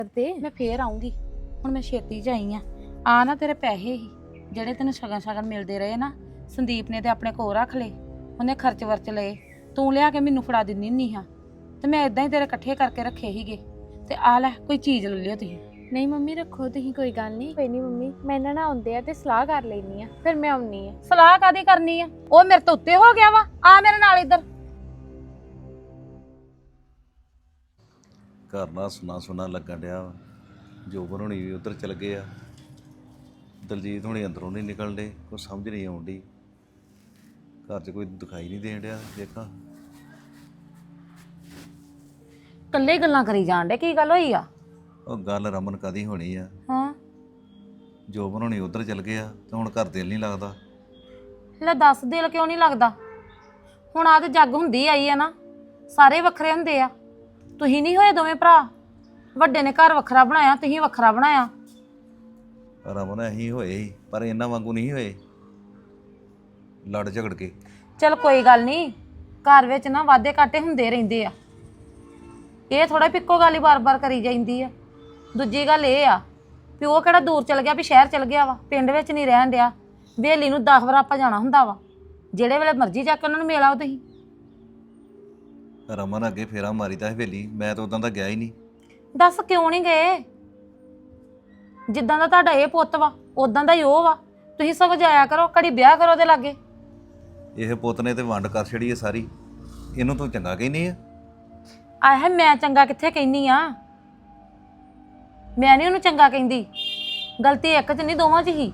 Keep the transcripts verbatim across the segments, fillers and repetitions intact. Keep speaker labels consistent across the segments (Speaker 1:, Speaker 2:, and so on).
Speaker 1: ਤੇ ਮੈਂ ਫੇਰ ਆਉਂਗੀ। ਹੁਣ ਮੈਂ ਛੇਤੀ ਜਾਈ ਆ ਆ ਨਾ ਤੇਰੇ ਪੈਸੇ ਹੀ ਜਿਹੜੇ ਤੈਨੂੰ ਸ਼ਗਨ ਸ਼ਗਨ ਮਿਲਦੇ ਰਹੇ ਨਾ, ਸੰਦੀਪ ਨੇ ਤੇ ਆਪਣੇ ਕੋਲ ਰੱਖ ਲਏ, ਉਹਨੇ ਖਰਚ ਵਰਚ ਲਏ, ਤੂੰ ਲਿਆ ਕੇ ਮੈਨੂੰ ਫੜਾ ਦਿੰਦੀ ਨਹੀਂ ਹਾਂ, ਤੇ ਮੈਂ ਇਦਾਂ ਹੀ ਤੇਰੇ ਇਕੱਠੇ ਕਰਕੇ ਰੱਖੇ ਸੀਗੇ। ਤੇ ਆ ਲੈ ਕੋਈ ਚੀਜ਼ ਲੈ ਲਿਓ ਤੁਸੀਂ।
Speaker 2: ਨਹੀਂ ਮੰਮੀ ਰੱਖੋ ਤੁਸੀਂ, ਕੋਈ ਗੱਲ ਨਹੀਂ। ਕੋਈ ਨਹੀਂ ਮੰਮੀ, ਮੈਂ ਇਹਨਾਂ ਨਾਲ ਆਉਂਦੇ ਆ ਤੇ ਸਲਾਹ ਕਰ ਲੈਣੀ ਆ, ਫਿਰ ਮੈਂ ਆਉਣੀ ਆ।
Speaker 1: ਸਲਾਹ ਕਾਦੀ ਕਰਨੀ ਆ? ਉਹ ਮੇਰੇ ਤੋਂ ਉੱਤੇ ਹੋ ਗਿਆ ਵਾ। ਆ ਮੇਰੇ ਨਾਲ ਇੱਧਰ।
Speaker 3: ਘਰ ਨਾਲ ਸੁਣਾ ਸੁਣਾ ਲੱਗਣ ਡਿਆ ਵਾ। ਜੋਬਨ ਹੋਣੀ ਵੀ ਉੱਧਰ ਚਲ ਗਏ ਆ, ਦਲਜੀਤ ਹੋਣੀ ਅੰਦਰੋਂ ਨਹੀਂ ਨਿਕਲਣ ਡੇ, ਕੋਈ ਸਮਝ ਨਹੀਂ ਆਉਣ ਡਈ। ਘਰ 'ਚ ਕੋਈ ਦਿਖਾਈ ਨਹੀਂ ਦੇਣ ਡਿਆ। ਦੇਖਾਂ
Speaker 1: ਕੱਲੇ ਗੱਲਾਂ ਕਰੀ ਜਾਣ ਡੇ, ਕੀ ਗੱਲ ਹੋਈ ਆ?
Speaker 3: ਉਹ ਗੱਲ ਰਮਨ ਕਾਦੀ ਹੋਣੀ ਆ।
Speaker 1: ਹਾਂ
Speaker 3: ਜੋਬਨ ਹੋਣੀ ਉੱਧਰ ਚਲ ਗਏ ਆ ਤੇ ਹੁਣ ਘਰ ਦਿਲ ਨਹੀਂ ਲੱਗਦਾ।
Speaker 1: ਲੈ ਦੱਸ, ਦਿਲ ਕਿਉਂ ਨਹੀਂ ਲੱਗਦਾ? ਹੁਣ ਆ ਤੇ ਜੱਗ ਹੁੰਦੀ ਆਈ ਆ ਨਾ, ਸਾਰੇ ਵੱਖਰੇ ਹੁੰਦੇ ਆ। ਤੁਸੀਂ ਨਹੀਂ ਹੋਏ ਦੋਵੇਂ ਭਰਾ? ਵੱਡੇ ਨੇ ਘਰ ਵੱਖਰਾ ਬਣਾਇਆ, ਤੁਸੀਂ ਵੱਖਰਾ ਬਣਾਇਆ।
Speaker 3: ਰਮਨ ਅਸੀਂ ਹੋਏ ਸੀ ਪਰ ਇਹਨਾਂ ਵਾਂਗੂ ਨਹੀਂ ਹੋਏ, ਲੜ ਝਗੜ ਕੇ।
Speaker 1: ਚਲ ਕੋਈ ਗੱਲ ਨਹੀਂ, ਘਰ ਵਿੱਚ ਨਾ ਵਾਧੇ ਘਾਟੇ ਹੁੰਦੇ ਰਹਿੰਦੇ ਆ। ਇਹ ਥੋੜਾ ਪਿੱਕੋ ਗੱਲ ਹੀ ਬਾਰ-ਬਾਰ ਕਰੀ ਜਾਂਦੀ ਆ। ਦੂਜੀ ਗੱਲ ਇਹ ਆ ਵੀ ਉਹ ਕਿਹੜਾ ਦੂਰ ਚਲ ਗਿਆ, ਵੀ ਸ਼ਹਿਰ ਚਲ ਗਿਆ ਵਾ, ਪਿੰਡ ਵਿੱਚ ਨਹੀਂ ਰਹਿਣ ਡਿਆ। ਹਵੇਲੀ ਨੂੰ ਦਸ ਵਾਰ ਆਪਾਂ ਜਾਣਾ ਹੁੰਦਾ ਵਾ, ਜਿਹੜੇ ਵੇਲੇ ਮਰਜ਼ੀ ਜਾ ਕੇ ਉਹਨਾਂ ਨੂੰ ਮਿਲ ਆਓ ਤੁਸੀਂ।
Speaker 3: ਰਮਨ ਅੱਗੇ ਫੇਰਾ ਮਾਰੀਦਾ ਹਵੇਲੀ, ਮੈਂ ਤਾਂ ਉਦਾਂ ਦਾ ਗਿਆ ਹੀ ਨਹੀਂ।
Speaker 1: ਦੱਸ ਕਿਉਂ ਨਹੀਂ ਗਏ? ਜਿੱਦਾਂ ਦਾ ਤੁਹਾਡਾ ਇਹ ਪੁੱਤ ਵਾ ਉਦਾਂ ਦਾ ਹੀ ਉਹ ਵਾ। ਤੁਸੀਂ ਸਗੋਂ ਜਾਇਆ ਕਰੋ, ਘੜੀ ਵਿਆਹ ਕਰੋ ਉਹਦੇ ਲਾਗੇ।
Speaker 3: ਇਹ ਪੁੱਤ ਨੇ ਤੇ ਵੰਡ ਕਰ ਛੜੀ ਹੈ ਸਾਰੀ, ਇਹਨੂੰ ਤੂੰ ਚੰਗਾ ਕਹਿੰਦੀ ਆ।
Speaker 1: ਆਹ ਮੈਂ ਚੰਗਾ ਕਿੱਥੇ ਕਹਿੰਦੀ ਆ? ਮੈਂ ਨਹੀਂ ਉਹਨੂੰ ਚੰਗਾ ਕਹਿੰਦੀ। ਗਲਤੀ ਇੱਕ 'ਚ ਨਹੀਂ, ਦੋਵਾਂ 'ਚ ਹੀ।